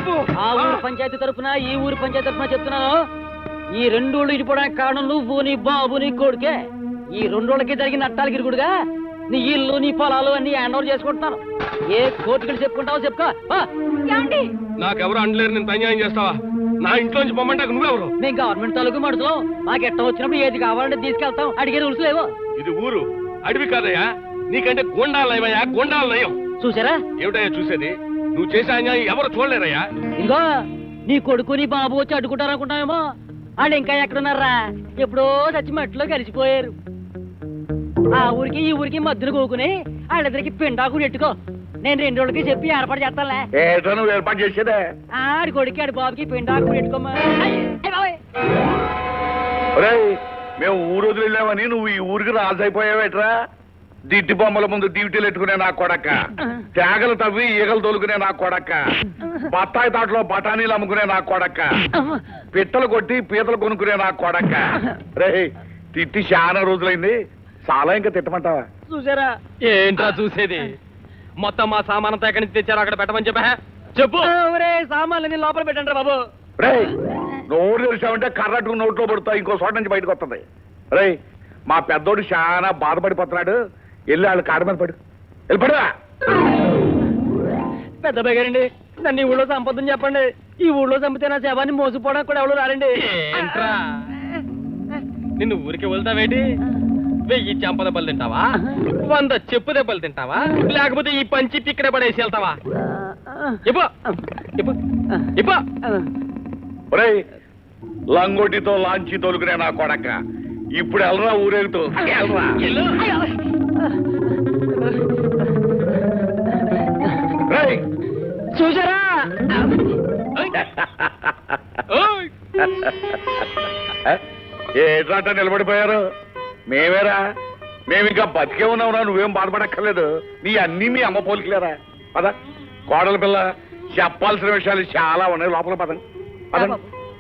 చెప్పు. ఆ ఊరు పంచాయతీ తరఫున ఈ ఊరు పంచాయతీ తరఫున చెప్తున్నాను, ఈ రెండు ఊళ్ళు ఇడిపోవడానికి కారణం నువ్వు నీ బాబు నీ కొడుకే. ఈ రెండోళ్ళకి జరిగిన నట్టాలకి ఇరుగుడుగా నీ ఇల్లు నీ పొలాలు అన్ని హ్యాండ్ ఓవర్ చేసుకుంటున్నాను. ఏ కోర్టుకి చెప్పుకుంటావో చెప్పుకో. నాకెవరు అండలేరు, నేను అన్యాయం చేస్తావా? నా ఇంట్లోంచి పొమ్మంటాకు నువ్వెవరు? మేము గవర్నమెంట్ తాలూకు మడుతున్నాం, మాకు ఎట్ట వచ్చినప్పుడు ఏది కావాలంటే తీసుకెళ్తాం, అడిగే రూల్స్ లేవో. ఇది ఊరు, అడవి కాదయ్యా. నీకంటే గోండాలు నయమయ్యా, గోండాలు నయం. చూసారా? ఏమిటయ్యా చూసేది? నువ్వు చేసే అన్యాయం ఎవరు చూడలేరయ్యా. ఇంకో నీ కొడుకు నీ బాబు వచ్చి అడ్డుకుంటారనుకుంటామేమో, వాళ్ళు ఇంకా ఎక్కడున్నారా? ఎప్పుడో చచ్చి మట్టిలో కలిసిపోయారు. ఆ ఊరికి ఈ ఊరికి మధ్యన కూకుని వాళ్ళిద్దరికి పిండాకు నెట్టుకో. నేను 2 రోజులకి చెప్పి ఏర్పాటు చేస్తానులే. నువ్వు ఏర్పాటు చేసేదే? ఆడి కొడుకు ఆడి బాబుకి పిండాకు నెట్టుకోమా. మేము ఊరు వదిలేమని నువ్వు ఈ ఊరికి రాజైపోయావేట్రా? దిట్టి బొమ్మల ముందు డ్యూటీలు ఎట్టుకునే నా కొడక్క, తేగలు తవ్వి ఈగలు తోలుకునే నా కొడక్క, బత్తాయి తాటలో బఠానీలు అమ్ముకునే నా కొడక్క, పిట్టలు కొట్టి పీతలు కొనుక్కునే నా కొడక్క. రే తిట్టి చాలా రోజులైంది, చాలా ఇంకా తిట్టమంటావా? చూసారా? ఏంట్రా చూసేది? మొత్తం మా సామానంతా ఎక్కడి నుంచి తెచ్చారో అక్కడ పెట్టమని చెప్పు. సామాన్లు లోపల పెట్టండి బాబు. రే నోరు తెరిచావంటే కర్రట్టు నోట్లో పడుతా, ఇంకో చోట నుంచి బయటకు వస్తుంది. రే మా పెద్దోడు చాలా బాధపడిపోతున్నాడు, వెళ్ళి వాళ్ళు కాడ మీద పడు, వెళ్ళిపడువా. పెద్ద బగారండి, నన్ను ఈ ఊళ్ళో సంపదని చెప్పండి. ఈ ఊళ్ళో చంపితే నా శవాన్ని మోసిపోవడానికి కూడా ఎవరు రారండి. ఏంట్రా నిన్ను ఊరికి వెళ్తావేటి? 1000 చెంప దెబ్బలు తింటావా? 100 చెప్పు దెబ్బలు తింటావా? లేకపోతే ఈ పంచి ఇక్కడ పడేసి వెళ్తావా? లంగోటితో లాంచి తోలుకునే నా కొడక, ఇప్పుడు వెళ్ళరా ఊరేగుతూ. చూసారా? ఏట్రాట నిలబడిపోయారు? మేమేరా, మేమింకా బతికే ఉన్నావురా, నువ్వేం బాధపడక్కర్లేదు. నీ అన్నీ మీ అమ్మ పోలికలేరా. పద కోడల పిల్ల, చెప్పాల్సిన విషయాలు చాలా ఉన్నాయి, లోపల పదండి.